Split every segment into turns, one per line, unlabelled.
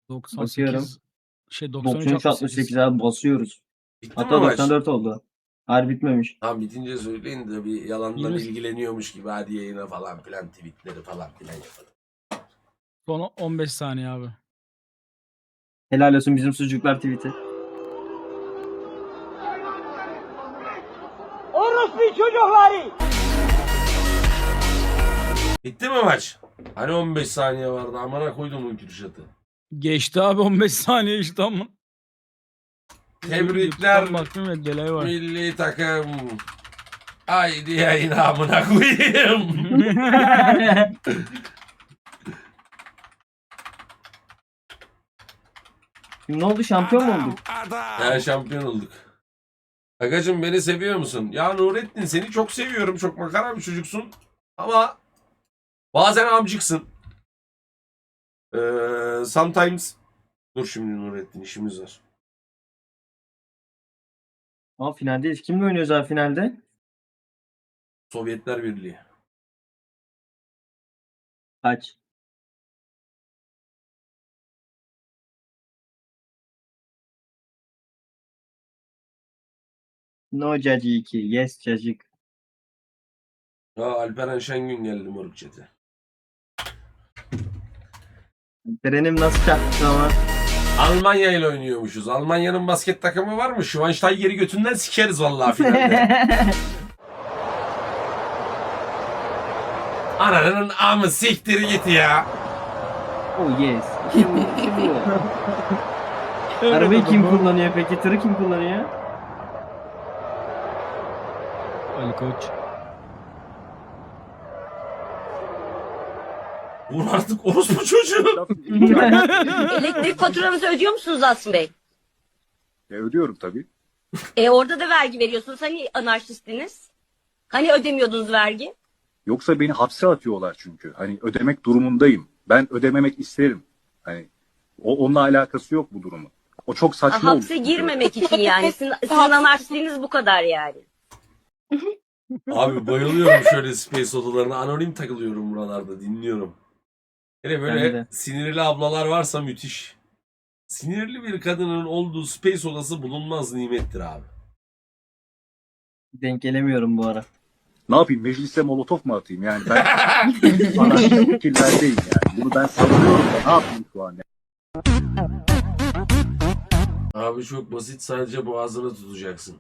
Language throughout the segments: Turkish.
Bakıyorum.
98 93
93
68.
68 abi basıyoruz.
Bitti mi
Hatta
maç?
94 oldu. Harbi bitmemiş.
Tam bitince söyleyin de bir yalandan
20
ilgileniyormuş gibi hadi yayına falan filan tweetleri falan filan yapalım.
Son 15 saniye abi.
Helal olsun bizim sucuklar tweet'i.
Orospu çocukları!
Bitti mi maç? Hani 15 saniye vardı amına koydum bu Kürşat'ı.
Geçti abi 15 saniye işte ama.
Tebrikler
YouTube'dan baktım ya delay var.
milli takım. Haydi yayına amına koyayım.
Şimdi ne oldu, şampiyon mu olduk?
Ya şampiyon olduk. Agacım beni seviyor musun? Ya Nurettin seni çok seviyorum. Çok makara bir çocuksun. Ama bazen amcıksın. Sometimes. Dur şimdi Nurettin işimiz var.
Aa, finaldeyiz. Kimle oynuyoruz abi finalde?
Sovyetler Birliği.
Kaç? No Caci 2. Yes cacık.
Ya Alperen Şengün geldi moruk chat'e.
Trenim nasıl çarptı ama?
Almanya ile oynuyormuşuz. Almanya'nın basket takımı var mı? Schweinsteiger'i götünden sikeriz vallahi finalde. Ananın amı siktir git ya.
Oh yes. Şimdi arabayı kim kullanıyor peki? Tırı kim kullanıyor?
Ali Koç.
Vur artık orospu çocuğu.
Elektrik faturanızı ödüyor musunuz Asım Bey?
Ödüyorum tabii.
Orada da vergi veriyorsunuz. Hani anarşistiniz? Hani ödemiyordunuz vergi?
Yoksa beni hapse atıyorlar çünkü. Hani ödemek durumundayım. Ben ödememek isterim. Hani onunla alakası yok bu durumun. O çok saçma oldu.
Hapse girmemek için yani. Sizin anarşistliğiniz bu kadar yani.
Abi bayılıyorum şöyle space odalarına. Anonim takılıyorum buralarda dinliyorum. Hele
Ben
böyle
de.
sinirli ablalar varsa müthiş. Sinirli bir kadının olduğu space odası bulunmaz nimettir abi.
Denk gelemiyorum bu ara.
Ne yapayım? Meclise molotof mu atayım? Yani ben anarşist fikirlerdeyim yani. Bunu ben savunuyorum da ne yapayım şu an?
Abi çok basit, sadece boğazını tutacaksın.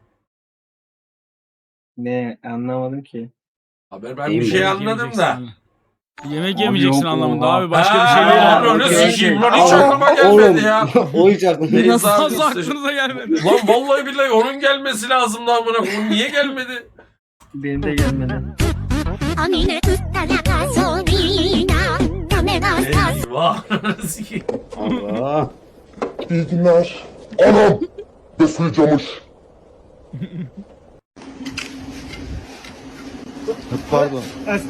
Ne anlamadım ki.
Haber ben
Değil
bir
mi?
şey
Yemek
anladım
yemeyeceksin
da.
abi. Yemek
Abi
yemeyeceksin
yok,
anlamında
oha.
abi. Başka bir şey
Ha,
değil.
abi,
Yani.
onu
okey,
sikeyim
okey.
lan, hiç aklıma gelmedi ya.
O hiç aklıma
Neyse
Nasıl
abi,
aklınıza gelmedi?
Lan vallahi billahi onun gelmesi lazımdı amına koyayım. Niye gelmedi?
Benim de gelmedi.
Eyvah. Sikeyim.
Allah.
İyi günler. Anam besleyicamış.
Pardon.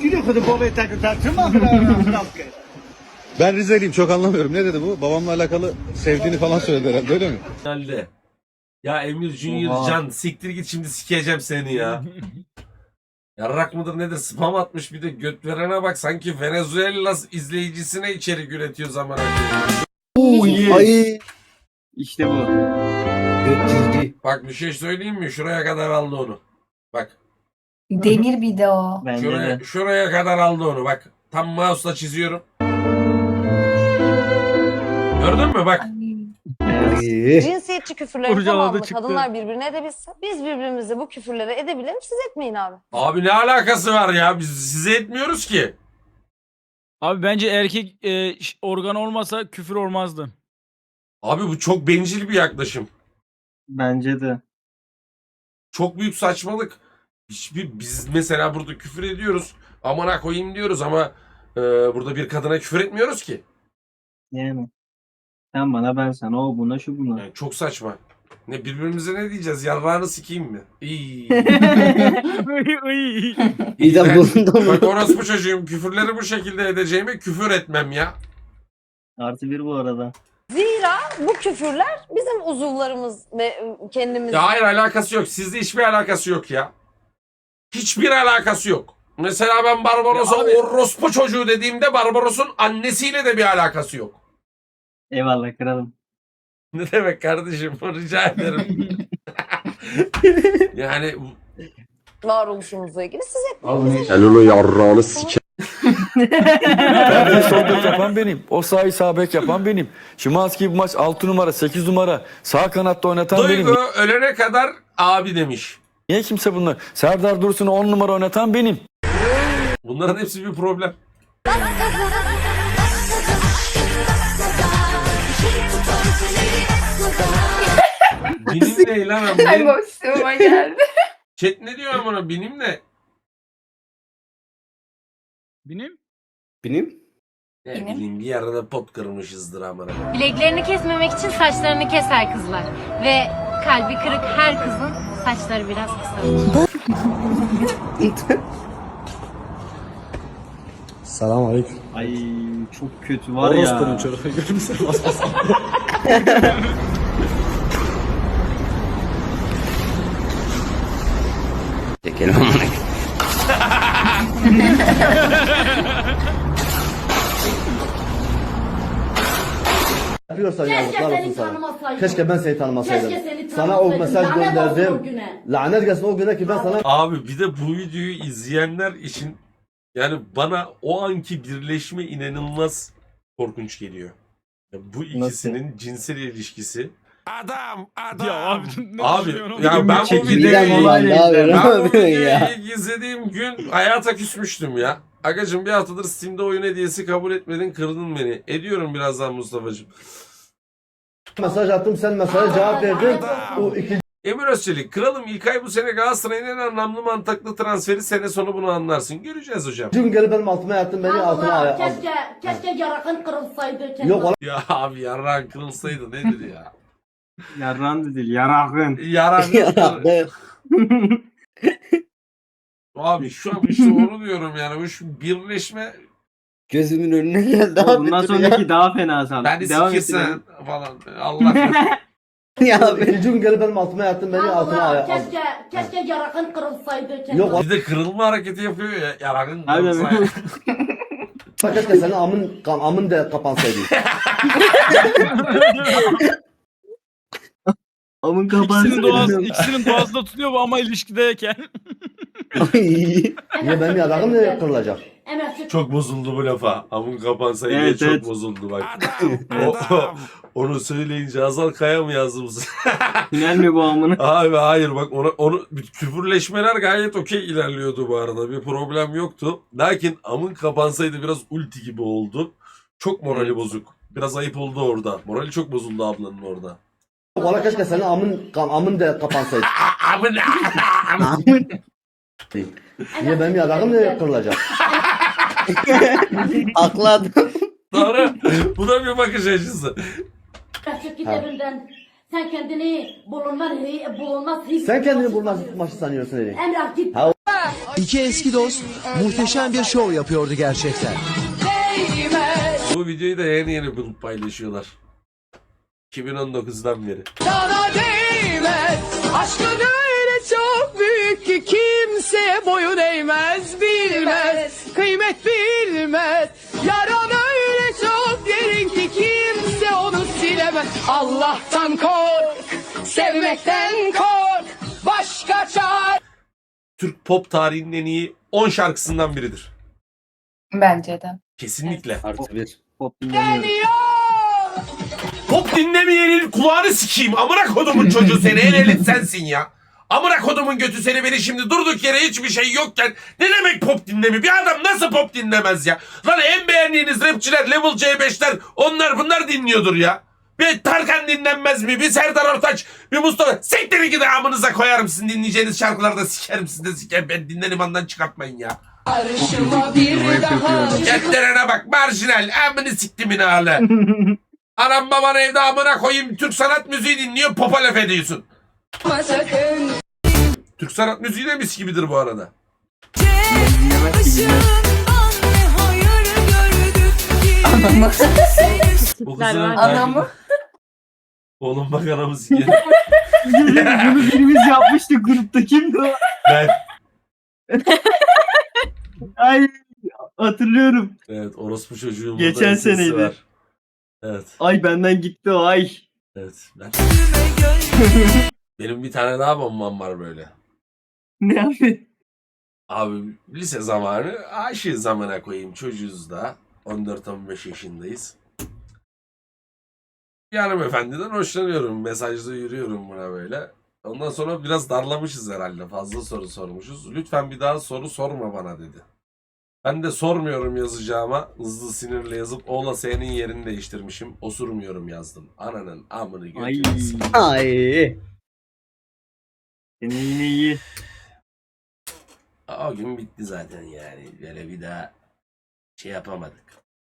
Ben Rizeliyim, çok anlamıyorum. Ne dedi bu? Babamla alakalı sevdiğini falan söyledi herhalde, öyle mi?
Finalde. Ya Emir Junior
Oha.
Can siktir git, şimdi sikeceğim seni ya. Yarrak mıdır nedir, spam atmış bir de göt verene bak, sanki Venezuela izleyicisine içerik üretiyor zaman.
Oh yes.
Ay.
İşte bu.
Ciddi.
Bak bir şey söyleyeyim mi? Şuraya kadar aldı onu. Bak.
Demir bir de o.
Bence
Şuraya,
de.
şuraya kadar aldı onu. Bak. Tam mouse'la çiziyorum. Gördün mü? Bak.
Evet.
Cinsiyetçi küfürlerin
Kurcaladı
tamamını
çıktı.
kadınlar birbirine edebilse biz birbirimize bu küfürleri edebilelim, siz etmeyin abi.
Abi ne alakası var ya? Biz size etmiyoruz ki.
Abi bence erkek organ olmasa küfür olmazdı.
Abi bu çok bencil bir yaklaşım.
Bence de.
Çok büyük saçmalık. Biz mesela burada küfür ediyoruz. Amına koyayım diyoruz ama burada bir kadına küfür etmiyoruz ki.
Yani. Sen bana, ben sana, o buna, şu buna.
Yani çok saçma. Ne birbirimize ne diyeceğiz? Yarrağını sikeyim mi? İyi.
İyi de bunun da
Bak orospu çocuğum, küfürleri bu şekilde edeceğime küfür etmem ya.
Artı bir bu arada.
Zira bu küfürler bizim uzuvlarımız ve kendimiz.
Ya hayır, alakası yok. Sizde hiçbir alakası yok ya. Hiçbir alakası yok. Mesela ben Barbaros'a
Ya abi-
orospu çocuğu dediğimde Barbaros'un annesiyle de bir alakası yok.
Eyvallah kralım.
Ne demek kardeşim? Rica ederim. Yani
Varoluşumuzla ilgili siz hep
Hello yarrağını sike.
Perde sol bek yapan benim. O sahi sağ bek yapan benim. Şimanski bu maç 6 numara 8 numara sağ kanatta oynatan benim.
Duygu ölene kadar abi demiş.
Niye kimse bunlar? Serdar Dursun'u 10 numara oynatan benim.
Bunların hepsi bir problem. Binim ne lan
Ay
abi?
boşluğuma geldi.
Chat ne diyor amına? Binim ne?
Benim?
Benim?
Ne
Binim.
bileyim bir yerde pot kırmışızdır amına.
Bileklerini kesmemek için saçlarını keser kızlar. Ve kalbi kırık her kızın saçları biraz kısa.
Selam aleyküm.
Ay çok kötü var ya.
çocuğu görmüşsün.
Yapıyorsan yazıklar olsun sana.
Keşke ben seni tanımasaydım.
Seni
Sana o mesaj
Lanet olsun
gönderdim.
o güne.
Lanet gelsin o güne ki ben sana
Abi bir de bu videoyu izleyenler için yani bana o anki birleşme inanılmaz korkunç geliyor. Ya bu ikisinin cinsel ilişkisi.
Ya abi ne
Abi
düşünüyorsun?
ya ben bu
Çekimden
videoyu
dolayı
ben bu videoyu ilk izlediğim gün hayata küsmüştüm ya. Agacım bir haftadır Steam'de oyun hediyesi kabul etmedin, kırdın beni. Ediyorum birazdan Mustafa'cığım.
mesaj attım sen mesaja cevap verdin. O ikinci
Emir Özçelik, kralım İlkay bu sene Galatasaray'ın en anlamlı mantıklı transferi, sene sonu bunu anlarsın. Göreceğiz hocam.
gün gelip benim altıma yattın beni altına
Allah,
al.
keşke yarakın kırılsaydı.
Yok
Ya abi yarrağın kırılsaydı nedir ya?
Yarran değil yarakın.
Yarrağın Abi şu an işte onu diyorum yani. Bu şu birleşme
gözümün önüne geldi
Bundan sonraki daha fena sal.
beni
Devam et.
sikirsen falan. Allah
Ya ikinci gün gelip benim altıma yattın beni altına
Allah,
al.
keşke yarakın kırılsaydı.
Yok
bir de kırılma hareketi yapıyor ya. Yarrağın
Aynen.
kırılsaydı.
keşke senin amın da kapansaydı.
Amın
İkisinin doğası da tutuyor bu ama ilişkideyken.
Niye benim yarağım ne kırılacak?
Çok bozuldu bu lafa. Amın kapansaydı diye
Evet,
çok
evet.
bozuldu bak. Onu söyleyince Azal Kaya mı yazdı bu sefer?
Tünel mi bu amına?
Abi hayır bak onu küfürleşmeler gayet okey ilerliyordu bu arada. Bir problem yoktu. Lakin amın kapansaydı biraz ulti gibi oldu. Çok morali bozuk. Biraz ayıp oldu orada. Morali çok bozuldu ablanın orada.
Valla keşke senin amın da kapansaydı.
Amın
Niye benim yarağım ne kırılacak?
Haklı adam.
Doğru. Bu da bir bakış açısı.
Çık git evinden. Sen kendini bulunmaz.
Sen kendini bulmaz maçı sanıyorsun Eli.
Emrah git.
İki eski dost muhteşem bir şov yapıyordu gerçekten.
Bu videoyu da yeni paylaşıyorlar. 2019'dan beri.
Sana değmez. Aşkın öyle çok büyük ki kimse boyun eğmez, bilmez. Kıymet bilmez. Yaran öyle çok derin ki kimse onu silemez. Allah'tan kork, sevmekten kork. Başka çare.
Türk pop tarihinin en iyi 10 şarkısından biridir.
Bence de.
Kesinlikle.
Artı bir.
Pop dinlemiyorum.
Pop dinlemeyenin kulağını sikeyim. Amına kodumun çocuğu seni. El elin sensin ya. Amına kodumun götü seni, beni şimdi durduk yere hiçbir şey yokken ne demek pop dinlemi? Bir adam nasıl pop dinlemez ya? Lan en beğendiğiniz rapçiler, Level C5'ler, onlar bunlar dinliyordur ya. Bir Tarkan dinlenmez mi? Bir Serdar Ortaç, bir Mustafa. Siktirin gidin, amınıza koyarım sizin dinleyeceğiniz şarkılarda, sikerim sizin de sikerim. Ben dinlerim, andan çıkartmayın ya.
Arşıma bir daha.
Getlerine bak, marjinal, amını siktimin hale. Anam baban evde amına koyayım Türk sanat müziği dinliyor, popa laf ediyorsun.
Sakın.
Türk sanat müziği de mis gibidir bu arada.
Anamı.
O
Tipler
kızın
var.
Anamı.
Oğlum bak anamı sikerim.
Bunu birimiz yapmıştık grupta. Kimdi o?
Ben.
Ay hatırlıyorum.
Evet, orospu çocuğun
Geçen
burada sesi
seneydi.
var. Evet.
Ay benden gitti o ay.
Evet. Benim bir tane daha bombam var böyle.
Ne abi?
Abi lise zamanı aşığız zamana koyayım, çocuğuz da 14-15 yaşındayız. Bir hanımefendiden hoşlanıyorum. Mesajda yürüyorum buna böyle. Ondan sonra biraz darlamışız herhalde. Fazla soru sormuşuz. Lütfen bir daha soru sorma bana dedi. Ben de sormuyorum yazacağıma. Hızlı sinirle yazıp O'la S'nin yerini değiştirmişim. Osurmuyorum yazdım. Ananın amını
Ay.
götürmesin.
Ay.
Senin yine iyi.
O gün bitti zaten yani. Böyle bir daha şey yapamadık.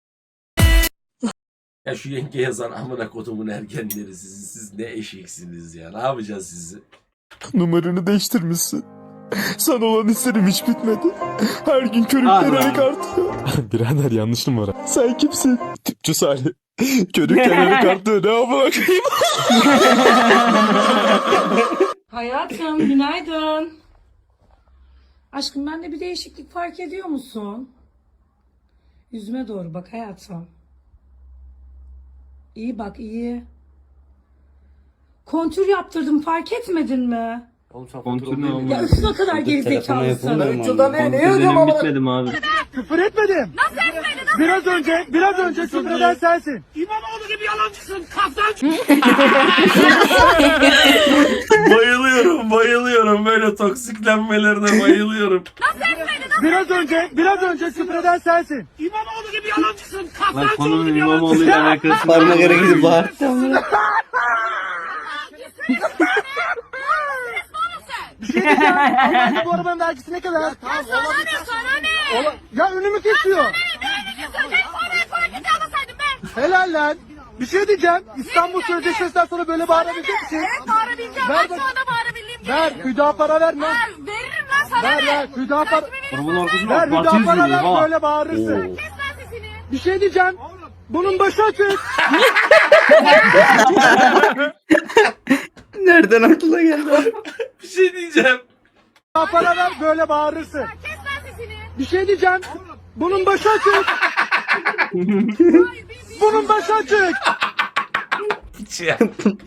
Ya şu yenge yazan amına kodumun ergenleri siz ne eşeksiniz ya. Ne yapacağız sizi?
Numaranı değiştirmişsin. Sana olan hislerim hiç bitmedi. Her gün
Allah.
körüklenerek artıyor. Birader yanlış numara. Sen kimsin? Tüpçü Salih. Körüklenerek artıyor. Ne yapalım?
Hayatım günaydın. Aşkım bende bir değişiklik fark ediyor musun? Yüzüme doğru bak hayatım. İyi bak iyi. Kontür yaptırdım fark etmedin mi?
Kontür ne oldu?
Ya üstüne kadar gerizekalısın.
Kontür bitmedim abi.
Küfür etmedim. Nasıl etmedin? Biraz önce küfür eden sensin.
Bayılıyorum böyle toksiklenmelerine bayılıyorum.
Biraz önce küfür eden sensin.
Lan konunun İmamoğlu'yla alakası.
Parmak yere gidip bağır. Bir şey diyeceğim. Allah'ım bu arabanın vergisi ne kadar?
Sana ne?
Ya önümü kesiyor. Helal lan. Bir şey diyeceğim. İstanbul Sözleşmesi'nden sonra böyle bağırabilecek misin?
Evet bağırabileceğim.
Ver
Bak
bak.
şu anda bağırabildiğim gibi.
Ver. Hüdapara verme.
Veririm lan sana
Ver
ne?
ver. Hüdapara.
Arabanın arkasında
Ver
Batı
Hüdapara
izliyor.
ver
Ha.
böyle bağırırsın.
Kes lan sesini.
Bir şey diyeceğim. Bunun başı açık.
Nereden aklına geldi?
Bir şey diyeceğim.
Hüdapara ver böyle bağırırsın.
Kes lan sesini.
Bir şey diyeceğim. Bunun başı açık. Bunun başı açık.
Hiç ya.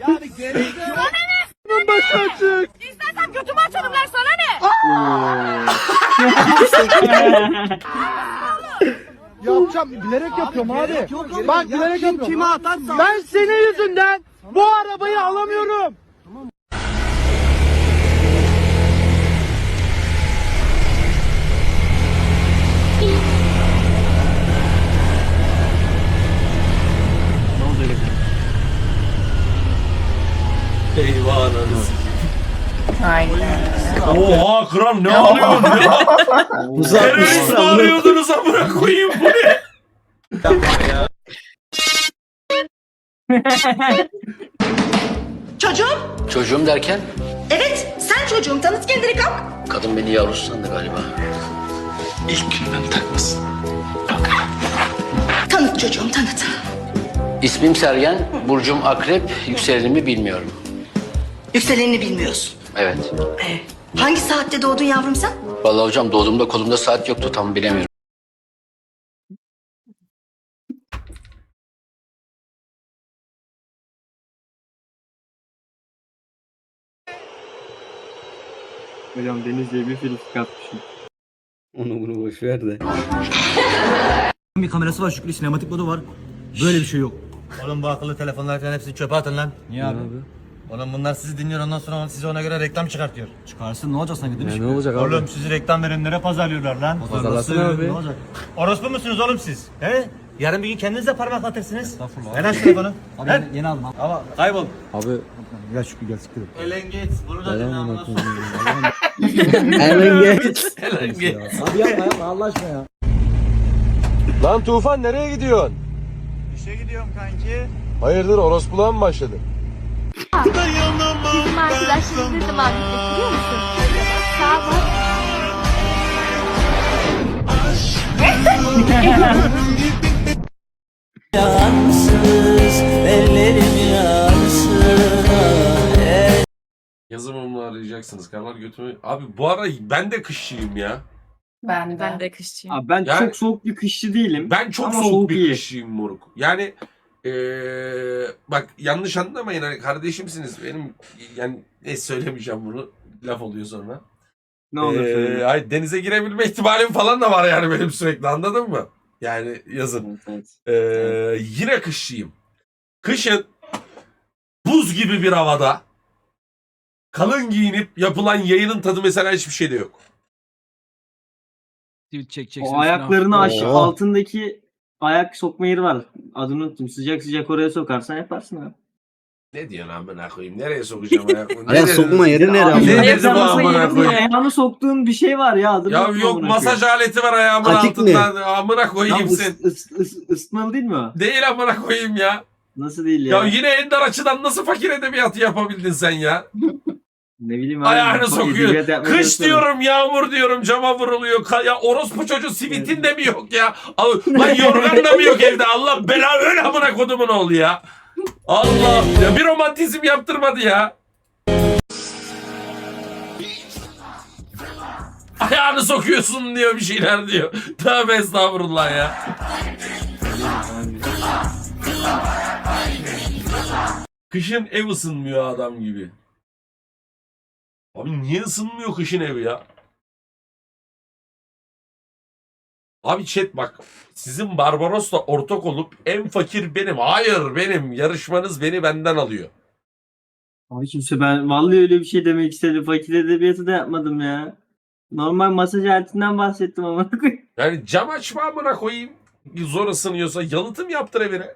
Bunun başı açık.
İstersen götümü açarım lan sana ne?
Yapacağım. Bilerek yapıyorum abi. Bak bilerek yapıyorum. Kime atarsan. Ben senin yüzünden bu arabayı alamıyorum.
Ne oldu öyle?
Eyvah ananı sikeyim.
Aynen.
Oha kral ne arıyorsun ya? Terörist mi arıyordunuz amına koyayım bu ne?
Çocuğum derken?
Evet sen çocuğum tanıt kendini kalk.
Kadın beni yavrusu sandı galiba. İlk günden takmasın.
Tanıt çocuğum tanıt.
İsmim Sergen, burcum akrep, yükselenimi bilmiyorum.
Yükselenini bilmiyorsun.
Evet.
Hangi saatte doğdun yavrum sen?
Vallahi hocam doğduğumda kolumda saat yoktu, tam bilemiyorum.
Hocam Denizli'ye bir film atmışım.
Onu bunu boş ver de.
Bir kamerası var, Şükrü sinematik modu var. Böyle bir şey yok.
Oğlum bu akıllı telefonlar falan hepsini çöpe atın lan.
Niye abi?
Oğlum bunlar sizi dinliyor ondan sonra size ona göre reklam çıkartıyor.
Çıkarsın ne olacak sanki değil mi? Ne olacak
Oğlum sizi reklam verenlere pazarlıyorlar lan.
Pazarlasın abi.
Ne olacak? Orospu musunuz oğlum siz? He? Yarın bir gün kendiniz de parmaklatırsınız. Ver lan şu telefonu. Ver.
Yeni aldım abi.
Ama kaybol.
Abi gel Şükrü gel Şükrü.
Elen git. Bunu da dinle ondan sonra.
Helal git.
Abi yapma Allah aşkına ya.
Lan Tufan nereye gidiyorsun?
İşe gidiyorum kanki.
Hayırdır orospuluğa mı başladın?
Bizim arkadaşlarımız ne zaman bitecek biliyor musun? Sağ bak.
Yazımımı arayacaksınız kanlar götümü. Abi bu ara ben de kışçıyım ya.
Ben de.
Ben de kışçıyım.
Abi ben
Yani-
çok soğuk bir kışçı değilim.
Ben çok
Ama
soğuk bir
iyi.
kışçıyım moruk. Yani bak yanlış anlamayın, hani kardeşimsiniz benim, yani söylemeyeceğim bunu, laf oluyor sonra.
Ne olur söyle.
Hayır, denize girebilme ihtimalim falan da var yani benim sürekli, anladın mı? Yani yazın. Yine kışçıyım. Kışın buz gibi bir havada kalın giyinip yapılan yayının tadı mesela hiçbir şeyde yok.
Tweet çekeceksin.
O ayaklarını aç,
Oo.
altındaki ayak sokma yeri var. Adını unuttum. Sıcak sıcak oraya sokarsan yaparsın abi.
Ne diyorsun amına koyayım? Nereye sokacağım ayakımı?
Ayak sokma yeri nere
Ne
amına?
dedi bu
Ayaklarını
amına
sayıyorsun,
koyayım?
ayağını soktuğun bir şey var ya. Adını
Ya
unuttum
yok,
amına
masaj
koyayım.
aleti var ayağımın
Atik mi?
altında. Amına koyayım
Tam
sen.
ısıtmalı değil mi o?
Değil amına koyayım ya.
Nasıl değil
Ya
ya?
yine en dar açıdan nasıl fakir edebiyatı yapabildin sen ya?
Ne bileyim abi.
Ayağını
bak,
sokuyor.
edebiyat yapmaya
Kış
çalışıyorum.
diyorum, yağmur diyorum, cama vuruluyor. Ya orospu çocuğu sivitin de mi yok ya? Lan yorgan da mı yok evde? Allah bela, öyle amına kodumun oğlu ya. Allah ya, bir romantizm yaptırmadı ya. Ayağını sokuyorsun diyor, bir şeyler diyor. Tövbe estağfurullah ya. Kışın ev ısınmıyor adam gibi. Abi niye ısınmıyor kışın evi ya? Abi chat bak, sizin Barbaros'la ortak olup en fakir benim. Hayır, benim. Yarışmanız beni benden alıyor.
Abi kimse, ben vallahi öyle bir şey demek istedim. Fakir edebiyatı da yapmadım ya. Normal masaj aletinden bahsettim ama.
Yani cam açma amına koyayım. Zor ısınıyorsa yalıtım yaptır evine.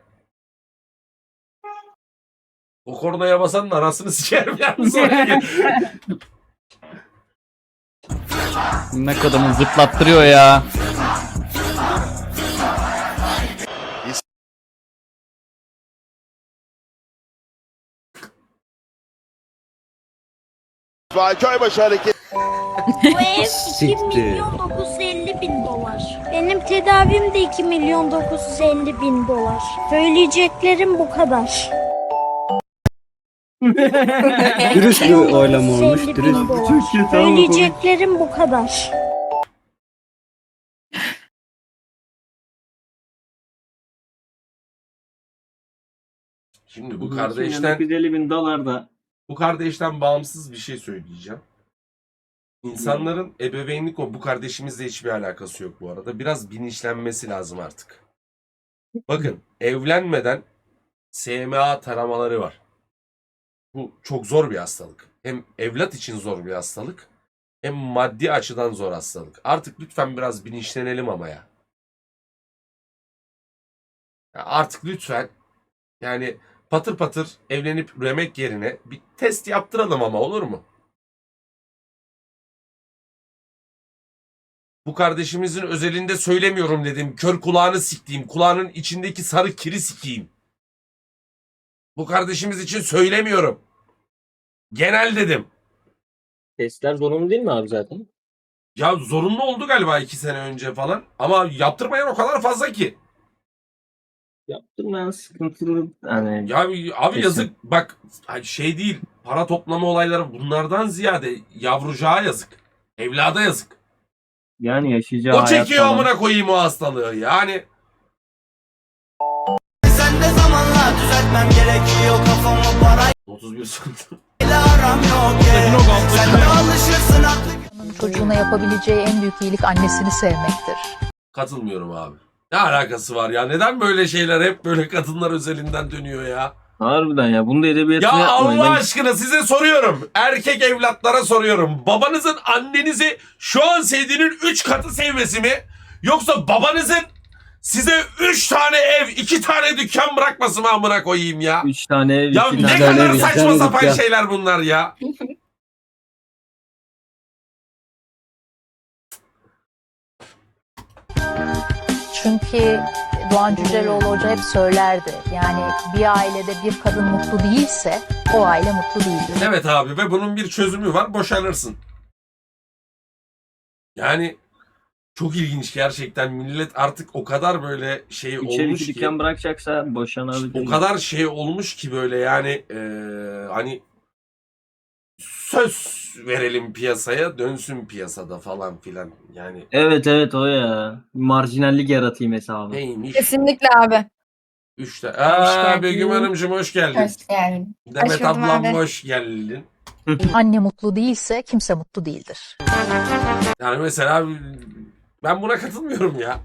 O kornaya basanın arasını sikerim yalnız oraya.
Ne kadar zıplattırıyor ya.
Köybaşı hareket.
Bu ev 2.950.000 dolar. Benim tedavim de 2.950.000 dolar. Söyleyeceklerim bu kadar.
Dürüst bir oylama olmuş.
2.950.000
Dürüst.
dolar.
Çok kötü ama
Söyleyeceklerim bu kadar.
Şimdi bu kardeşten
950.000 dolar da.
Bu kardeşten bağımsız bir şey söyleyeceğim. İnsanların ebeveynlik, bu kardeşimizle hiçbir alakası yok bu arada. Biraz bilinçlenmesi lazım artık. Bakın, evlenmeden SMA taramaları var. Bu çok zor bir hastalık. Hem evlat için zor bir hastalık, hem maddi açıdan zor hastalık. Artık lütfen biraz bilinçlenelim ama ya. Ya artık lütfen, yani patır patır evlenip üremek yerine bir test yaptıralım ama, olur mu? Bu kardeşimizin özelinde söylemiyorum dedim. Kör kulağını siktiğim, kulağının içindeki sarı kiri sikeyim. Bu kardeşimiz için söylemiyorum. Genel dedim.
Testler zorunlu değil mi abi zaten?
Ya zorunlu oldu galiba 2 sene önce falan. Ama yaptırmayan o kadar fazla ki.
Yaptım ben, sıkıntılı. Hani
Ya abi
Kesin.
yazık. Bak şey değil. Para toplama olayları, bunlardan ziyade yavrucağa yazık. Evlada yazık.
yani yaşayacağı
O
hayat
çekiyor
falan.
amına koyayım o hastalığı. Yani
Sen de zamanla düzeltmem gerekiyor kafamı parayla
31 sıkıntı.
aram yok. Sen de alışırsın aklı.
Çocuğuna yapabileceği en büyük iyilik annesini sevmektir.
Katılmıyorum abi. Ne alakası var ya? Neden böyle şeyler hep böyle kadınlar özelinden dönüyor ya?
Harbiden ya. Bunu da edebiyatını
Ya
yapmayın.
Allah
Ben-
aşkına size soruyorum. Erkek evlatlara soruyorum. Babanızın annenizi şu an sevdiğinin 3 katı sevmesi mi? Yoksa babanızın size 3 tane ev, 2 tane dükkan bırakması mı amına koyayım ya?
3 tane ev,
Ya
2
ne
tane
kadar
ev.
saçma sapan şeyler bunlar ya.
Çünkü Doğan Cüceloğlu Hoca hep söylerdi. Yani bir ailede bir kadın mutlu değilse o aile mutlu değildir.
Evet abi, ve bunun bir çözümü var. Boşanırsın. Yani çok ilginç gerçekten. Millet artık o kadar böyle şey
3 ev,
olmuş
2
ki.
dükkan bırakacaksa boşanabilir.
O kadar şey olmuş ki böyle, yani hani söz verelim piyasaya, dönsün piyasada falan filan. Yani
Evet evet, o ya. Marjinallik yaratayım hesabı.
neymiş?
Kesinlikle abi.
3'te.
geldin.
Begüm Hanımcığım hoş geldin.
geldin.
Demet
Hoş buldum
ablam
abi.
hoş geldin.
Anne mutlu değilse kimse mutlu değildir.
Yani mesela ben buna katılmıyorum ya.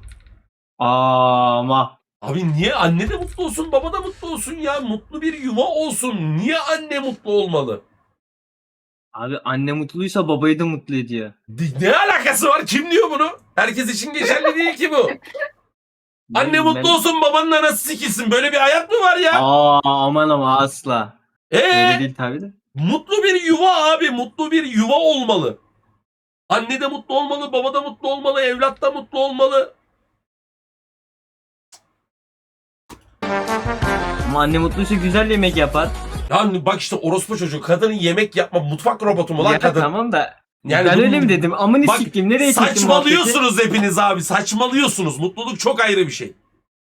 Ama
Abi niye anne de mutlu olsun, baba da mutlu olsun ya? Mutlu bir yuva olsun. Niye anne mutlu olmalı?
abi anne mutluysa babayı da mutlu ediyor.
Ne alakası var? Kim diyor bunu? Herkes için geçerli değil ki bu. Anne
Ben-
mutlu olsun, babanın anası sikilsin. Böyle bir hayat mı var ya?
Aman ama asla. Öyle değil tabii de.
Mutlu bir yuva abi. Mutlu bir yuva olmalı. Anne de mutlu olmalı, baba da mutlu olmalı, evlat da mutlu olmalı.
Ama anne mutluysa güzel yemek yapar.
Yani bak işte orospu çocuğu. Kadının yemek yapma mutfak robotu mu lan
Ya
kadın?
tamam da
Yani
ben
bu-
öyle mi dedim? Amını
Bak,
siktim. Nereye çektim muhabbeti?
saçmalıyorsunuz hepiniz abi. Saçmalıyorsunuz. Mutluluk çok ayrı bir şey.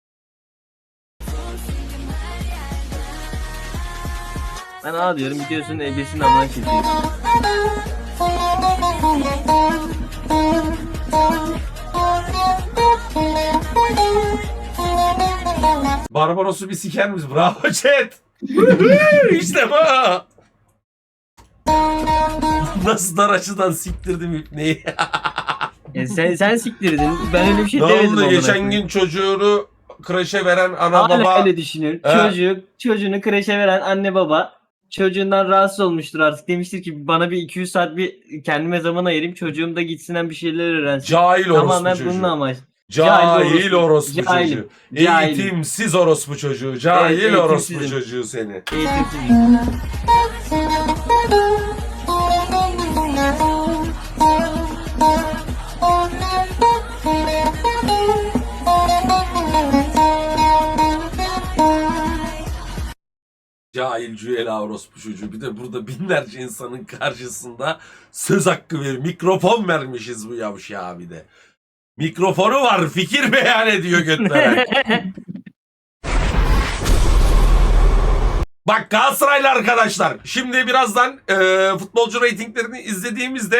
Ben A diyorum gidiyorsun ebesinin amına çekiyorsun.
Barbaros'u bir siker miyiz? Bravo chat. İşte bu. Nasıl dar açıdan siktirdim ipneyi.
Sen siktirdin. Ben öyle bir şey
Ne
demedim.
oldu?
amına
Geçen
koyayım.
gün çocuğunu kreşe veren ana
Hala
baba.
öyle düşünüyorum.
He.
Çocuğunu kreşe veren anne baba çocuğundan rahatsız olmuştur artık. Demiştir ki bana bir 200 saat bir kendime zaman ayırayım. Çocuğum da gitsin bir şeyler öğrensin.
Cahil orospu
Tamamen
çocuğu.
bunun amaç.
Cahil orospu
Cahilim.
çocuğu.
Cahilim.
Eğitimsiz orospu çocuğu. Cahil
Evet,
orospu
eğitimsizim.
çocuğu seni.
Eğitimsizim.
Cahil cüela orospu çocuğu. Bir de burada binlerce insanın karşısında söz hakkı mikrofon vermişiz bu yavşağa bir de. Mikrofonu var, fikir beyan ediyor götlere. Bak Galatasaraylı arkadaşlar, şimdi birazdan futbolcu reytinglerini izlediğimizde